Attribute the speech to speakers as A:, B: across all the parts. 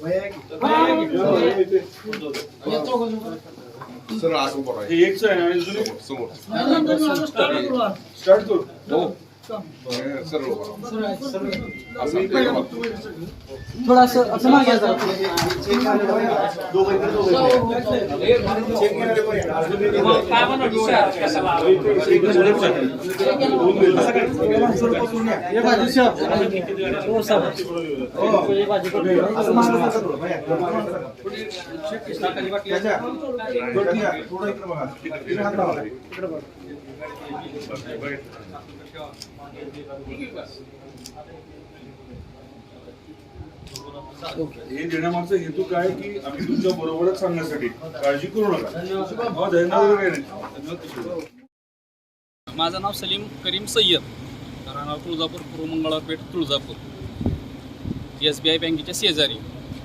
A: Sir आज उभा आहे
B: एकच आहे आणि दुसरी
A: समोर
B: स्टार्ट करू
A: सर
C: थोड़ा असं मागे जा.
B: हे देण्यामागचा हेतू काय की आम्ही तुमच्या बरोबरच सांगण्यासाठी काळजी करू नका. धन्यवाद काही नाही.
D: माझं नाव सलीम करीम सय्यद, राहणार तुळजापूर, पूर्व मंगळवारपेठ, तुळजापूर, SBI बँकेच्या शेजारी.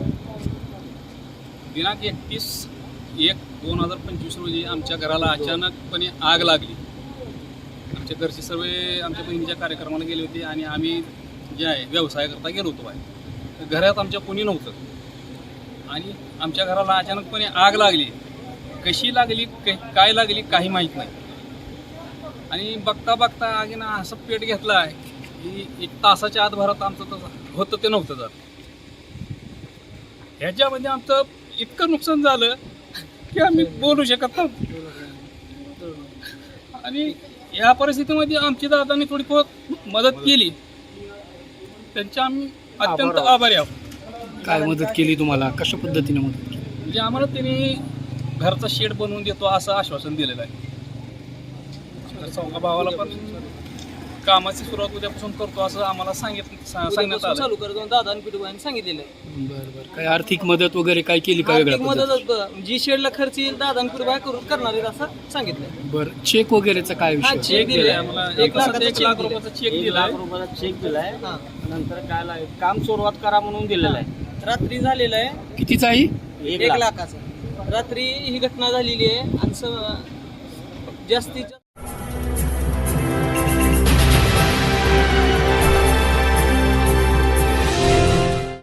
D: दिनांक 31/1/2025 रोजी आमच्या घराला अचानकपणे आग लागली. आमच्या घरचे सर्व आमच्या बहिणीच्या कार्यक्रमाला गेले होते आणि आम्ही जे आहे व्यवसायाकरता गेलो होतो बाहेर. घरात आमच्या कोणी नव्हतं आणि आमच्या घराला अचानकपणे आग लागली. कशी लागली, काय लागली काही माहीत नाही. आणि बघता बघता आगीनं असं पेट घेतला आहे की 1 तासाच्या आत भरात आमचं तसं होतं ते नव्हतं जात. ह्याच्यामध्ये आमचं इतकं नुकसान झालं की आम्ही बोलू शकत नव्हतो. आणि या परिस्थितीमध्ये आमची दादांनी थोडी मदत केली, त्यांच्या आम्ही अत्यंत आभारी आहोत.
C: काय मदत केली तुम्हाला, कशा पद्धतीने मदत केली?
D: म्हणजे आम्हाला त्यांनी घरचा शेड बनवून देतो असं आश्वासन दिलेलं आहे. चौघा भावाला पण कामाची सुरुवात उद्यापासून करतो असं आम्हाला सांगण्यात आलं.
E: चालू करतो दादांनी पिटूबाईंनी सांगितलेलं आहे.
C: बरं बरं. काय आर्थिक मदत वगैरे काय केली का? वेगळ्या
E: आर्थिक मदत जी शेडला खर्च येईल दादांनी पिटूबाई करून करणार आहेत असं सांगितलंय.
C: बरं, चेक वगैरेचा काय
E: हा,
C: विषय?
E: चेक दिलाय
D: आम्हाला
E: 1 लाखाचा
D: 1 लाख रुपयाचा चेक दिला.
E: चेक दिलाय. नंतर काय काम सुरुवात करा म्हणून दिलेलं आहे. रात्री झालेलं आहे
C: कितीचा आहे?
E: 1 लाखाचा. रात्री ही घटना झालेली आहे आणि जास्तीत